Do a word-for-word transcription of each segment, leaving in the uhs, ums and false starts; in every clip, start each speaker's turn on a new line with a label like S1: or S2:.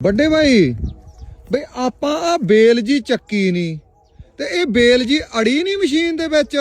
S1: ਵੱਡੇ ਭਾਈ ਬਈ ਆਪਾਂ ਆ ਬੇਲ ਜੀ ਚੱਕੀ ਨਹੀਂ ਤੇ ਇਹ ਬੇਲ ਜੀ ਅੜੀ ਨਹੀਂ ਮਸ਼ੀਨ ਦੇ ਵਿੱਚ।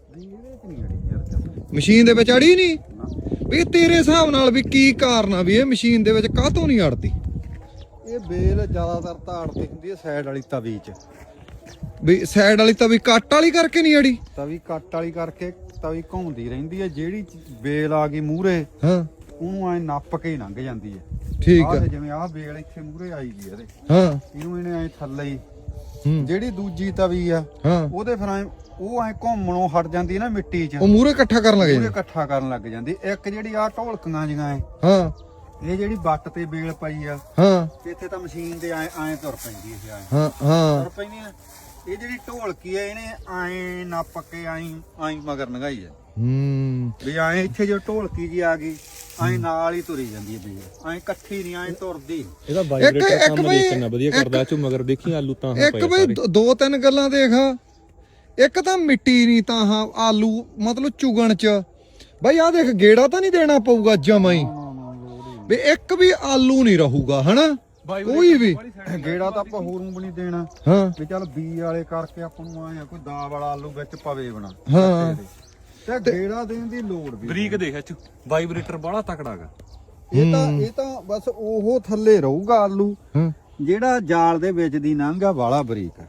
S1: ਮਸ਼ੀਨ ਦੇ ਵਿੱਚ ਅੜੀ ਨਹੀਂ ਵੀ ਤੇਰੇ ਹਿਸਾਬ ਨਾਲ ਵੀ ਕੀ ਕਾਰਨ ਆ ਵੀ ਇਹ ਮਸ਼ੀਨ ਦੇ ਵਿੱਚ ਕਾਹਤੋਂ ਨਹੀਂ ਅੜਦੀ?
S2: ਇਹ ਬੇਲ ਜ਼ਿਆਦਾਤਰ ਤਾਂ ਅੜਦੀ ਹੁੰਦੀ ਹੈ ਸਾਈਡ ਵਾਲੀ ਤਵੀ 'ਚ।
S1: ਵੀ ਸਾਈਡ ਵਾਲੀ ਤਵੀ ਕੱਟ ਵਾਲੀ ਕਰਕੇ ਨਹੀਂ ਅੜੀ?
S2: ਤਵੀ ਕੱਟ ਵਾਲੀ ਕਰਕੇ ਤਵੀ ਘੁੰਮਦੀ ਰਹਿੰਦੀ ਹੈ, ਜਿਹੜੀ ਬੇਲ ਆ ਗਈ ਮੂਹਰੇ
S1: ਹਾਂ
S2: ਉਹਨੂੰ ਐ ਨੱਪ ਕੇ ਲੰਘ ਜਾਂਦੀ ਹੈ।
S1: ਠੀਕ
S2: ਆਹ
S1: ਹੈ।
S2: ਜਿਵੇਂ ਆਹ ਬੇਲ ਇੱਥੇ ਮੂਹਰੇ ਆਈ ਗਈ ਇਹਦੇ,
S1: ਹਾਂ
S2: ਇਹਨੂੰ ਇਹਨੇ ਐ ਥੱਲੇ ਹੀ
S1: ਹੂੰ
S2: ਜਿਹੜੀ ਦੂਜੀ ਤਵੀ ਆ
S1: ਹਾਂ
S2: ਉਹਦੇ ਫਿਰ ਐ ਉਹ ਐ ਘੁੰਮਣੋਂ ਹਟ ਜਾਂਦੀ ਹੈ ਨਾ ਮਿੱਟੀ 'ਚ,
S1: ਉਹ ਮੂਹਰੇ ਇਕੱਠਾ ਕਰਨ ਲੱਗ
S2: ਮੂਹਰੇ
S1: ਜਾਂਦੇ।
S2: ਇਕੱਠਾ ਕਰਨ ਲੱਗ ਜਾਂਦੀ। ਇੱਕ ਜਿਹੜੀ ਆ ਢੋਲਕੀਆਂ ਜਿਹੀਆਂ ਐ,
S1: ਹਾਂ
S2: ਇਹ ਜਿਹੜੀ ਬੱਟ ਤੇ ਬੇਲ ਪਈ ਆ
S1: ਹਾਂ
S2: ਇੱਥੇ ਤਾਂ ਮਸ਼ੀਨ ਦੇ ਐ ਐ ਤੁਰ ਪੈਂਦੀ ਹੈ। ਐ
S1: ਹਾਂ ਹਾਂ
S2: ਤੁਰ ਪੈਂਦੀ ਆ। ਇਹ ਜਿਹੜੀ ਢੋਲਕੀ ਆ ਇਹਨੇ ਐ ਨੱਪ ਕੇ ਐ ਐ ਮਗਰ ਨਗਾਈ ਆ
S1: ਹੂੰ
S2: ਵੀ ਐ ਇੱਥੇ ਜੋ ਢੋਲਕੀ ਜੀ ਆ ਗਈ ਐ ਨਾਲ ਹੀ ਤੁਰੀ ਜਾਂਦੀ ਹੈ ਬੇਲ, ਐ ਇਕੱਠੀ ਨਹੀਂ ਐ ਤੁਰਦੀ।
S3: ਇਹਦਾ ਵਾਈਬ੍ਰੇਟਰ ਕੰਮ ਦੇਖਣਾ ਵਧੀਆ ਕਰਦਾ ਚੋ ਮਗਰ ਦੇਖੀ ਆਲੂ ਤਾਂ ਹਾਂ
S1: ਇੱਕ ਬਈ ਦੋ ਤਿੰਨ ਗੱਲਾਂ ਦੇਖ। ਇੱਕ ਤਾਂ ਮਿੱਟੀ ਨਹੀਂ ਤਾਂ ਹਾਂ ਆਲੂ ਮਤਲਬ ਚੁਗਣ ਚ ਬਈ ਆ ਦੇਖ ਗੇੜਾ ਤਾਂ ਨਹੀਂ ਦੇਣਾ ਪਊਗਾ ਜਮਾਂ ਹੀ ਵੀ ਇੱਕ ਵੀ ਆਲੂ ਨਹੀਂ ਰਹੂਗਾ ਹਨਾ ਕੋਈ ਵੀ
S2: ਗੇੜਾ ਤਾਂ ਆਪਾਂ ਹੋਰ ਨੂੰ ਵੀ ਨਹੀਂ ਦੇਣਾ।
S1: ਹਾਂ
S2: ਵੀ ਚੱਲ ਬੀ ਵਾਲੇ ਕਰਕੇ ਆਪਾਂ ਨੂੰ ਆਇਆ ਕੋਈ ਦਾ ਵਾਲਾ ਆਲੂ ਵਿੱਚ ਪਵੇ ਬਣਾ
S1: ਹਾਂ
S2: ਤੇ ਗੇੜਾ ਦੇਣ ਦੀ ਲੋੜ ਵੀ
S3: ਬਰੀਕ ਦੇਖ ਚ ਵਾਈਬ੍ਰੇਟਰ ਬੜਾ ਤਕੜਾਗਾ।
S2: ਇਹ ਤਾਂ ਇਹ ਤਾਂ ਬਸ ਉਹ ਥੱਲੇ ਰਹੂਗਾ ਆਲੂ,
S1: ਹਾਂ
S2: ਜਿਹੜਾ ਜਾਲ ਦੇ ਵਿੱਚ ਦੀ ਲੰਘਾ ਵਾਲਾ ਬਰੀਕ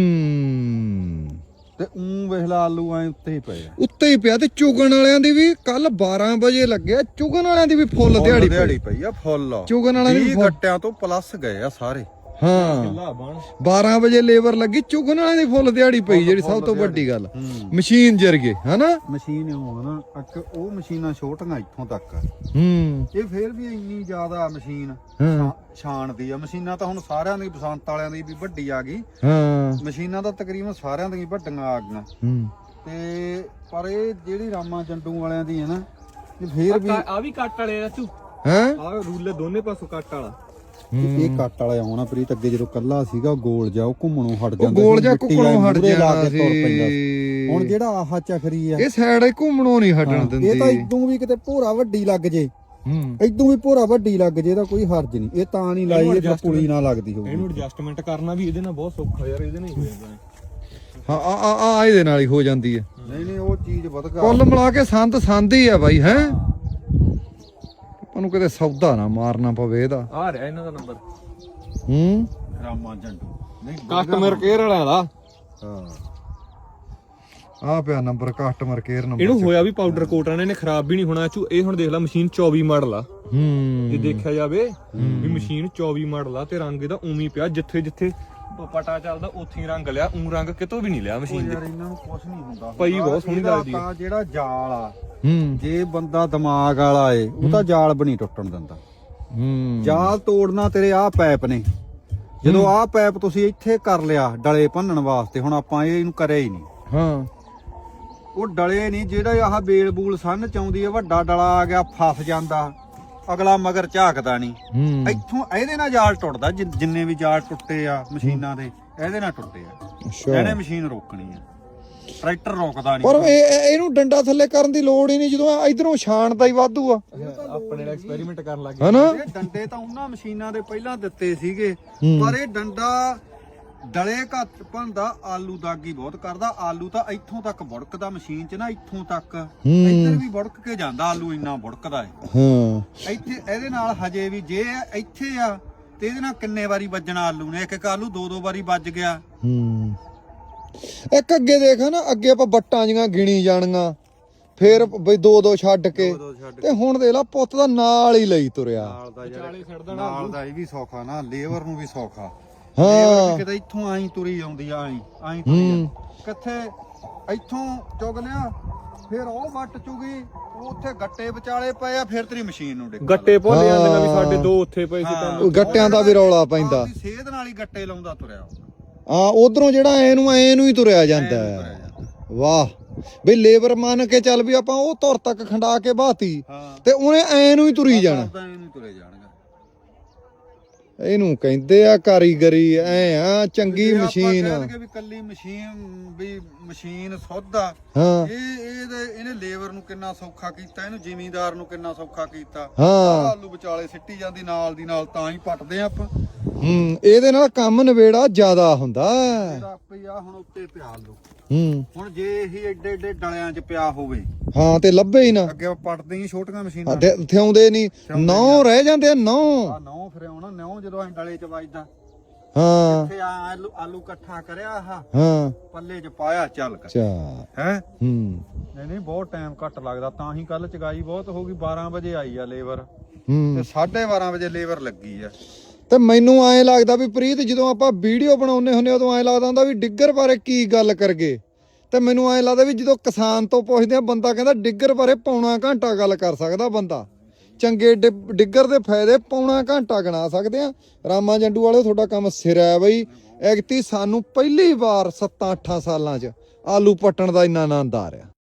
S1: ਹੂੰ
S2: ਤੇ ਉਂ ਵੇਖਲਾ ਆਲੂ ਐ ਉੱਤੇ ਹੀ ਪਏ ਆ
S1: ਉੱਤੇ ਹੀ ਪਿਆ। ਤੇ ਚੁਗਣ ਵਾਲਿਆਂ ਦੀ ਵੀ ਕੱਲ ਬਾਰਾਂ ਵਜੇ ਲੱਗਿਆ, ਚੁਗਣ ਵਾਲਿਆਂ ਦੀ ਵੀ ਫੁੱਲ ਦਿਹਾੜੀ
S2: ਦਿਹਾੜੀ
S1: ਪਈ
S2: ਪਈ ਆ ਫੁੱਲ।
S1: ਚੁਗਣ ਵਾਲਿਆਂ ਦੀ
S2: ਵੀਹ
S1: ਵੀ
S2: ਗੱਟਿਆਂ ਤੋਂ ਪਲੱਸ ਗਏ ਆ ਸਾਰੇ।
S1: ਹਾਂ
S3: ਕਿੱਲਾ ਬਣ
S1: ਬਾਰਾਂ ਵਜੇ ਲੇਬਰ ਲੱਗੀ, ਚੁਗਣ ਵਾਲਿਆਂ ਦੀ ਫੁੱਲ ਦਿਹਾੜੀ ਪਈ ਜਿਹੜੀ ਸਭ ਤੋਂ ਵੱਡੀ ਗੱਲ। ਮਸ਼ੀਨ ਜਰ ਗਏ ਹਨਾ
S2: ਮਸ਼ੀਨ ਉਹ ਨਾ ਇੱਕ ਉਹ ਮਸ਼ੀਨਾਂ ਛੋਟੀਆਂ ਇੱਥੋਂ ਤੱਕ ਆ।
S1: ਹੂੰ
S2: ਇਹ ਫੇਰ ਵੀ ਇੰਨੀ ਜ਼ਿਆਦਾ ਮਸ਼ੀਨ
S1: ਹਾਂ
S2: ਛਾਣਦੀ ਆ। ਮਸ਼ੀਨਾਂ ਤਾਂ ਹੁਣ ਸਾਰਿਆਂ ਦੀ ਬਸੰਤ ਵਾਲਿਆਂ ਦੀ ਵੀ ਵੱਡੀ ਆ ਗਈ,
S1: ਹਾਂ
S2: ਮਸ਼ੀਨਾਂ ਤਾਂ ਤਕਰੀਬਨ ਸਾਰਿਆਂ ਦੀਆਂ ਵੱਡੀਆਂ ਆ ਗਈਆਂ।
S1: ਹੂੰ
S2: ਤੇ ਪਰ ਇਹ ਜਿਹੜੀ ਰਾਮਾ ਜੰਡੂ ਵਾਲਿਆਂ ਦੀ ਹੈ ਨਾ ਇਹ ਫੇਰ ਵੀ
S3: ਆ ਵੀ ਕੱਟ ਵਾਲੇ ਆ ਚੂ
S1: ਹੈ
S3: ਆ ਰੂਲੇ ਦੋਨੇ ਪਾਸੋਂ ਕੱਟ ਵਾਲਾ।
S2: ਇਹ ਕੱਟ ਵਾਲਾ ਆਉਣਾ ਪ੍ਰੀਤ। ਅੱਗੇ ਜਦੋਂ ਕੱਲਾ ਸੀਗਾ ਗੋਲ ਜਾ ਉਹ ਘੁੰਮਣੋਂ ਹਟ
S1: ਉਹ
S2: ਜਾਂਦਾ
S1: ਗੋਲ ਜਾ
S2: ਮਿੱਟੀ
S1: ਕੁੱਕਣੋਂ ਹਟ
S2: ਮੂਹਰੇ ਲਾ
S1: ਜਾਣਾ
S2: ਕੇ ਤੁਰ ਪੈਂਦਾ ਸੀ।
S1: ਸੀ।
S2: ਹੁਣ ਜਿਹੜਾ ਆਹ ਚੱਕਰੀ ਆ
S1: ਇਹ ਸਾਈਡ ਹੀ ਘੁੰਮਣੋਂ ਨਹੀਂ ਹਟਣ ਦਿੰਦੀ।
S2: ਇਹ ਤਾਂ ਇਦੋਂ ਵੀ ਕਿਤੇ ਭੋਰਾ ਵੱਡੀ ਲੱਗ ਜੇ,
S1: ਹੂੰ
S2: ਇਦੋਂ ਵੀ ਭੋਰਾ ਵੱਡੀ ਲੱਗ ਜੇ ਤਾਂ ਕੋਈ ਹਰਜ ਨਹੀਂ। ਇਹ ਤਾਂ ਨਹੀਂ ਲਾਈ ਇਹ ਤਾਂ ਪੁਲੀ ਨਾ ਲੱਗਦੀ ਹੋਊਗੀ।
S3: ਇਹਨੂੰ ਐਡਜਸਟਮੈਂਟ ਕਰਨਾ ਵੀ ਇਹਦੇ ਨਾਲ ਬਹੁਤ ਸੌਖਾ ਯਾਰ, ਇਹਦੇ ਨਾਲ ਹੀ ਹੋ ਜਾਂਦਾ।
S1: ਹਾਂ ਆ ਆ ਆ ਇਹਦੇ ਨਾਲ ਹੀ ਹੋ ਜਾਂਦੀ ਹੈ।
S2: ਨਹੀਂ ਨਹੀਂ ਉਹ ਚੀਜ਼ ਵਧ ਗਾ
S1: ਕੁੱਲ ਮਿਲਾ ਕੇ ਸੰਦ ਸੰਦ ਹੀ ਆ ਬਾਈ ਹੈ। ਉਹਨੂੰ ਕਿਤੇ ਸੌਦਾ ਨਾ ਮਾਰਨਾ ਪਵੇ ਇਹਦਾ।
S3: ਆ ਰਿਹਾ ਇਹਨਾਂ ਦਾ ਨੰਬਰ
S1: ਹੂੰ
S2: ਰਾਮਾ ਜੰਡੂ ਨਹੀਂ
S3: ਕਸਟਮਰ ਕੇਅਰ ਵਾਲਿਆਂ ਦਾ।
S2: ਹਾਂ
S1: ਆ ਪਿਆ ਨੰਬਰ ਕਸਟਮਰ ਕੇਅਰ ਨੰਬਰ।
S3: ਇਹਨੂੰ ਹੋਇਆ ਵੀ ਪਾਊਡਰ ਕੋਟ ਨੇ ਖਰਾਬ ਵੀ ਨਹੀਂ ਹੋਣਾ ਚੂ। ਇਹ ਹੁਣ ਦੇਖ ਲੈ ਮਸ਼ੀਨ ਚੌਵੀ ਮਾਡਲ ਆ।
S1: ਹੂੰ
S3: ਜੇ ਦੇਖਿਆ ਜਾਵੇ ਵੀ ਮਸ਼ੀਨ ਚੌਵੀ ਮਾਡਲ ਆ ਤੇ ਰੰਗ ਇਹਦਾ ਉਵੇਂ ਪਿਆ ਜਿੱਥੇ ਜਿੱਥੇ ਪਟਾ ਚੱਲਦਾ ਉੱਥੇ ਹੀ ਰੰਗ ਲਿਆ। ਉਂ ਰੰਗ ਕਿਤੋਂ ਵੀ ਨਹੀਂ ਲਿਆ ਮਸ਼ੀਨ
S2: ਯਾਰ
S3: ਦੇ।
S2: ਇਹਨਾਂ ਨੂੰ ਕੁਝ ਨਹੀਂ ਹੁੰਦਾ।
S3: ਪਈ ਬਹੁਤ ਸੋਹਣੀ
S2: ਇਹਦਾ
S3: ਲੱਗਦੀ ਆ।
S2: ਤਾਂ ਜਿਹੜਾ ਜਾਲ ਆ
S1: ਹੂੰ
S2: ਜੇ ਬੰਦਾ ਦਿਮਾਗ ਵਾਲਾ ਏ ਉਹ ਤਾਂ ਜਾਲ ਬਣੀ ਟੁੱਟਣ ਦਿੰਦਾ।
S1: ਹੂੰ
S2: ਜਾਲ ਤੋੜਨਾ ਤੇਰੇ ਆਹ ਪੈਪ ਨੇ। ਜਦੋਂ ਆਹ ਪੈਪ ਤੁਸੀਂ ਇੱਥੇ ਕਰ ਲਿਆ ਡਲੇ ਭੰਨਣ ਵਾਸਤੇ, ਹੁਣ ਆਪਾਂ ਇਹ ਇਹਨੂੰ ਕਰਿਆ ਹੀ ਨਹੀਂ।
S1: ਹਾਂ
S2: ਉਹ ਡਲੇ ਨਹੀਂ ਜਿਹੜਾ ਆਹ ਬੇਲ ਬੂਲ ਸੰਨ ਚ ਆਉਂਦੀ ਹੈ, ਵੱਡਾ ਡਲਾ ਆ ਗਿਆ ਫਸ ਜਾਂਦਾ, ਅਗਲਾ ਮਗਰ ਝਾਕਦਾ ਨਹੀਂ।
S1: ਹੂੰ
S2: ਇੱਥੋਂ ਇਹਦੇ ਨਾਲ ਜਾਲ ਟੁੱਟਦਾ। ਜਿ- ਜਿੰਨੇ ਵੀ ਜਾਲ ਟੁੱਟੇ ਆ ਮਸ਼ੀਨਾਂ ਦੇ ਇਹਦੇ ਨਾਲ ਟੁੱਟੇ ਆ।
S1: ਅੱਛਾ
S2: ਇਹਨੇ ਮਸ਼ੀਨ ਰੋਕਣੀ ਆ, ਟਰੈਕਟਰ ਰੋਕਦਾ
S1: ਪਰ
S2: ਨਹੀਂ।
S1: ਇਹ ਇਹ- ਇਹਨੂੰ ਡੰਡਾ ਥੱਲੇ ਕਰਨ ਦੀ ਲੋੜ ਹੀ ਨਹੀਂ ਜਦੋਂ ਇਧਰੋਂ ਛਾਣਦਾ ਹੀ ਵਾਧੂ ਆ
S3: ਆਪਣੇ ਨਾਲ ਐਕਸਪੈਰੀਮੈਂਟ ਕਰਨ ਲੱਗ ਗਏ।
S1: ਹਨਾ।
S2: ਇਹ ਡੰਡੇ ਤਾਂ ਉਹਨਾਂ ਮਸ਼ੀਨਾਂ ਦੇ ਪਹਿਲਾਂ ਦਿੱਤੇ ਸੀਗੇ,
S1: ਹੂੰ।
S2: ਪਰ ਇਹ ਡੰਡਾ ਡਲੇ ਘੱਟ ਭੰਦਾ, ਆਲੂ ਦਾਗੀ ਬਹੁਤ ਕਰਦਾ। ਆਲੂ ਤਾਂ ਇੱਥੋਂ ਤੱਕ ਬੁੜਕਦਾ ਮਸ਼ੀਨ 'ਚ ਨਾ, ਇੱਥੋਂ ਤੱਕ ਇੱਧਰ ਵੀ ਬੁੜਕ ਕੇ ਜਾਂਦਾ। ਆਲੂ ਇੰਨਾ ਬੁੜਕਦਾ ਹੈ।
S1: ਹਾਂ
S2: ਇੱਥੇ ਇਹਦੇ ਨਾਲ ਹਜੇ ਵੀ ਜੇ ਇੱਥੇ ਆ ਤੇ ਇਹਦੇ ਨਾਲ ਕਿੰਨੇ ਵਾਰੀ ਵੱਜਣਾ ਆਲੂ ਨੇ। ਇੱਕ ਇੱਕ ਆਲੂ ਦੋ ਦੋ ਵਾਰੀ ਵੱਜ ਗਿਆ।
S1: ਹੂੰ ਇੱਕ ਅੱਗੇ ਦੇਖ ਨਾ, ਅੱਗੇ ਆਪਾਂ ਬੱਟਾਂ ਜੀਆਂ ਗਿਣੀ ਜਾਣੀਆਂ, ਫੇਰ ਬਈ ਦੋ ਦੋ ਛੱਡ ਕੇ,
S2: ਦੋ ਛੱਡ
S1: ਤੇ ਹੁਣ ਦੇਖ ਲਾ ਪੁੱਤ ਦਾ ਨਾਲ ਹੀ ਲਈ ਤੁਰਿਆ।
S2: ਨਾਲ ਦਾ ਜਿਹੜਾ ਨਾਲ ਦਾ ਇਹ ਵੀ ਸੌਖਾ ਨਾ, ਲੇਬਰ ਨੂੰ ਵੀ ਸੌਖਾ।
S1: ਹਾਂ
S2: ਕਿਤੇ ਇੱਥੋਂ ਆਈ ਤੁਰੀ ਆਉਂਦੀ ਆ, ਆਈ ਆਈ ਤੁਰੀ ਕਿੱਥੇ ਇੱਥੋਂ ਚੁਗ ਲਿਆ, ਫਿਰ ਉਹ ਵੱਟ ਚੁਗੀ, ਉੱਥੇ ਗੱਟੇ ਵਿਚਾਲੇ ਪਏ ਆ, ਫਿਰ ਤੇਰੀ ਮਸ਼ੀਨ ਨੂੰ ਡਿੱਗ
S3: ਗੱਟੇ ਭੁੱਲ ਜਾਂਦੇ ਨੇ ਵੀ ਸਾਡੇ ਦੋ ਉੱਥੇ ਪਏ ਸੀ ਤਾਂ
S1: ਉਹ ਗੱਟਿਆਂ ਦਾ ਵੀ ਰੌਲਾ ਪੈਂਦਾ।
S2: ਸੇਧ ਨਾਲ ਹੀ ਗੱਟੇ ਲਾਉਂਦਾ ਤੁਰਿਆ।
S1: ਹਾਂ ਉਧਰੋਂ ਜਿਹੜਾ ਐ ਨੂੰ ਐ ਨੂੰ ਹੀ ਤੁਰਿਆ ਜਾਂਦਾ ਹੈ। ਵਾਹ ਬਈ ਲੇਬਰ ਮੰਨ ਕੇ ਚੱਲ ਵੀ ਆਪਾਂ ਉਹ ਧੁਰ ਤੱਕ ਖੰਡਾ ਕੇ ਬਾਤੀ ਤੇ ਉਹਨੇ ਐ ਨੂੰ ਹੀ ਤੁਰੀ ਜਾਣਾ।
S2: ਇਹਨੂੰ ਤੁਰੇ ਜਾਣਗਾ।
S1: ਇਹਨੂੰ ਕਹਿੰਦੇ ਆ ਕਾਰੀਗਰੀ ਐ ਆ ਚੰਗੀ
S2: ਜੇ ਆਪਾਂ
S1: ਮਸ਼ੀਨ
S2: ਕਹਿ ਦਈਏ ਵੀ ਕੱਲੀ ਮਸ਼ੀਨ ਵੀ ਮਸ਼ੀਨ ਸੁੱਧ ਆ
S1: ਹਾਂ
S2: ਇਹ ਇਹਦੇ ਇਹਨੇ ਲੇਬਰ ਨੂੰ ਕਿੰਨਾ ਸੌਖਾ ਕੀਤਾ, ਇਹਨੂੰ ਜ਼ਿਮੀਂਦਾਰ ਨੂੰ ਕਿੰਨਾ ਸੌਖਾ ਕੀਤਾ।
S1: ਹਾਂ
S2: ਆਲੂ ਵਿਚਾਲੇ ਸਿੱਟੀ ਜਾਂਦੀ ਨਾਲ ਦੀ ਨਾਲ, ਤਾਂ ਹੀ ਪੱਟਦੇ ਆ ਆਪਾਂ।
S1: ਹੂੰ ਇਹਦੇ ਨਾਲ ਕੰਮ ਨਵੇੜਾ ਜ਼ਿਆਦਾ ਹੁੰਦਾ
S2: ਇਹਦਾ ਆਪੇ ਆ ਹੁਣ ਉੱਤੇ ਪਿਆ ਆਲੂ,
S1: ਹੂੰ
S2: ਹੁਣ ਜੇ ਇਹ ਏਡੇ ਏਡੇ ਡਲਿਆਂ 'ਚ ਪਿਆ ਹੋਵੇ
S1: ਹਾਂ ਤੇ ਲੱਭੇ ਹੀ ਨਾ
S2: ਅੱਗੇ ਪੱਟਦੇ ਹੀ ਛੋਟੀਆਂ ਮਸ਼ੀਨਾਂ
S1: ਤੇ ਥਿਆਉਂਦੇ ਨਹੀਂ ਨੌ ਰਹਿ ਜਾਂਦੇ ਆ ਨੌ
S2: ਆ ਨੌ ਫਿਰ ਆਉਣਾ ਨੌ ਜਦੋਂ ਅਸੀਂ ਡਲੇ 'ਚ ਵੱਜਦਾ
S1: ਹਾਂ
S2: ਇੱਥੇ ਆ ਆਲੂ ਆਲੂ ਇਕੱਠਾ ਕਰਿਆ ਆਹ
S1: ਹਾਂ
S2: ਪੱਲੇ 'ਚ ਪਾਇਆ ਚੱਲ ਕਰ
S1: ਚਾ
S2: ਹੈ।
S1: ਹੂੰ
S2: ਨਹੀਂ ਨਹੀਂ ਬਹੁਤ ਟਾਈਮ ਘੱਟ ਲੱਗਦਾ, ਤਾਂ ਹੀ ਕੱਲ ਚਗਾਈ ਬਹੁਤ ਹੋ ਗਈ। ਬਾਰਾਂ ਵਜੇ ਆਈ ਆ ਲੇਬਰ
S1: ਹੂੰ
S2: ਤੇ ਸਾਢੇ ਬਾਰਾਂ ਵਜੇ ਲੇਬਰ ਲੱਗੀ ਆ।
S1: ਤੇ ਮੈਨੂੰ ਐਂ ਲੱਗਦਾ ਵੀ ਪ੍ਰੀਤ ਜਦੋਂ ਆਪਾਂ ਵੀਡੀਓ ਬਣਾਉਂਦੇ ਹੁੰਦੇ ਉਦੋਂ ਐਂ ਲੱਗਦਾ ਹੁੰਦਾ ਵੀ ਡਿੱਗਰ ਬਾਰੇ ਕੀ ਗੱਲ ਕਰਗੇ, ਤੇ ਮੈਨੂੰ ਐਂ ਲੱਗਦਾ ਵੀ ਜਦੋਂ ਕਿਸਾਨ ਤੋਂ ਪੁੱਛਦੇ ਆ ਬੰਦਾ ਕਹਿੰਦਾ ਡਿੱਗਰ ਬਾਰੇ ਪੌਣਾ ਘੰਟਾ ਗੱਲ ਕਰ ਸਕਦਾ ਬੰਦਾ। ਚੰਗੇ ਡਿ- ਡਿੱਗਰ ਦੇ ਫਾਇਦੇ ਪੌਣਾ ਘੰਟਾ ਗਿਣਾ ਸਕਦੇ ਆ। ਰਾਮਾ ਜੰਡੂ ਵਾਲੇ ਤੁਹਾਡਾ ਕੰਮ ਸਿਰ ਹੈ ਬਈ। ਐਗਤੀ ਸਾਨੂੰ ਪਹਿਲੀ ਵਾਰ ਸੱਤਾਂ ਅੱਠਾਂ ਸਾਲਾਂ 'ਚ ਆਲੂ ਪੱਟਣ ਦਾ ਇੰਨਾ ਆਨੰਦ ਆ ਰਿਹਾ।